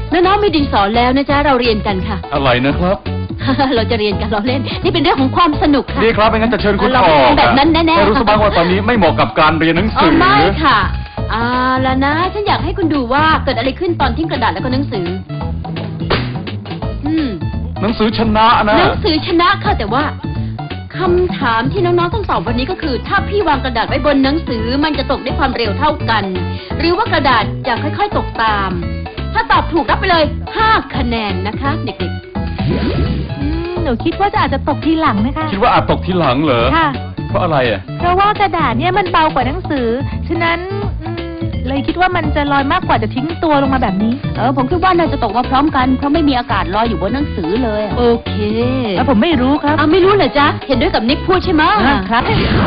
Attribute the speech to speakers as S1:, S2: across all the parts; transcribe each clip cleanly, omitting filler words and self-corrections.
S1: น้องๆมีดินสอแล้วนะจ๊ะเราเรียนกันค่ะ
S2: อะไรนะครับ
S1: เราจะเรียนกันเราเล่นนี่เป็นเรื่องของความสนุกค่ะ
S2: ดีครับไม่งั้นจะเชิญคุณออก
S1: แบบนั้นแน่ๆ
S2: แต่รู้สึกบ้างว่าตอนนี้ไม่เหมาะกับการเรียนหนังสือ
S1: ไม่ค่ะแล้วนะฉันอยากให้คุณดูว่าเกิดอะไรขึ้นตอนทิ้งกระดาษแล้วก็หนังสือ
S2: หนังสือชนะนะ
S1: หนังสือชนะค่ะแต่ว่าคำถามที่น้องๆต้องตอบวันนี้ก็คือถ้าพี่วางกระดาษไว้บนหนังสือมันจะตกด้วยความเร็วเท่ากันหรือว่ากระดาษจะค่อยๆตกตามถ้าตอบถูกรับไปเลย5 คะแนนนะคะเด็ก
S3: หนูคิดว่าจะอาจจะตกทีหลังนะคะ
S2: คิดว่าอาจตกทีหลังเหรอ
S3: ค่ะ
S2: เพราะอะไรอ่ะ
S3: เพราะว่ากระดาษเนี่ยมันเบากว่าหนังสือฉะนั้นเลยคิดว่ามันจะลอยมากกว่าจะทิ้งตัวลงมาแบบนี้
S1: ผมคิดว่าน่าจะตกมาพร้อมกันเพราะไม่มีอากาศลอยอยู่บนหนังสือเลยโอเค
S3: ผมไม่รู้ครับ
S1: ไม่รู้เหรอจ๊ะเห็นด้วยกับนิกพูดใช่ไหม
S3: ครับ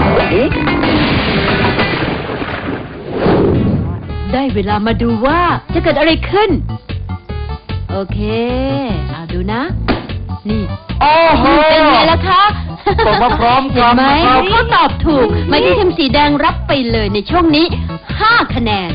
S1: ได้เวลามาดูว่าจะเกิดอะไรขึ้นโอเคดูนะนี่
S2: โอ้โห
S1: เป็นไงล่ะคะ
S2: ตกมาพร้อมกัน
S1: ไหมเขาตอบถูกหมายที่ทีมสีแดงรับไปเลยในช่วงนี้5 คะแนน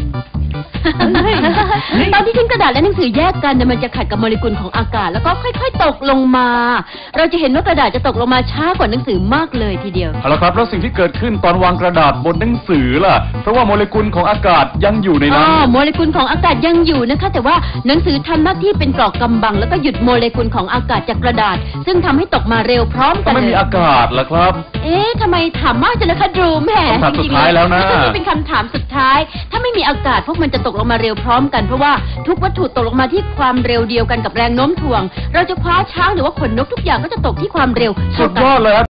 S1: ตอนที่ทิ้งกระดาษและหนังสือแยกกันมันจะขัดกับโมเลกุลของอากาศแล้วก็ค่อยๆตกลงมาเราจะเห็นว่ากระดาษจะตกลงมาช้ากว่าหนังสือมากเลยทีเดียว
S2: เอาละครับแล้วสิ่งที่เกิดขึ้นตอนวางกระดาษบนหนังสือล่ะเพราะว่าโมเลกุลของอากาศยังอยู่ในนั้น
S1: โมเลกุลของอากาศยังอยู่นะคะแต่ว่าหนังสือทำหน้าที่เป็นเกราะกำบังแล้วก็หยุดโมเลกุลของอากาศจากกระดาษซึ่งทำให้ตกมาเร็วพร้อมกัน
S2: ไม่มีอากาศล่ะครับ
S1: ทำไมถามมากจังเลยคะดูแหม
S2: คำถามสุดท้ายแล้วนะ
S1: เป็นคำถามสุดท้ายถ้าไม่มีอากาศพวกมันจะตกลงมาเร็วพร้อมกันเพราะว่าทุกวัตถุตกลงมาที่ความเร็วเดียวกันกับแรงโน้มถ่วงเราจะคว้าช้างหรือว่าขนนกทุกอย่างก็จะตกที่ความเร็ว
S2: สุดยอดเลย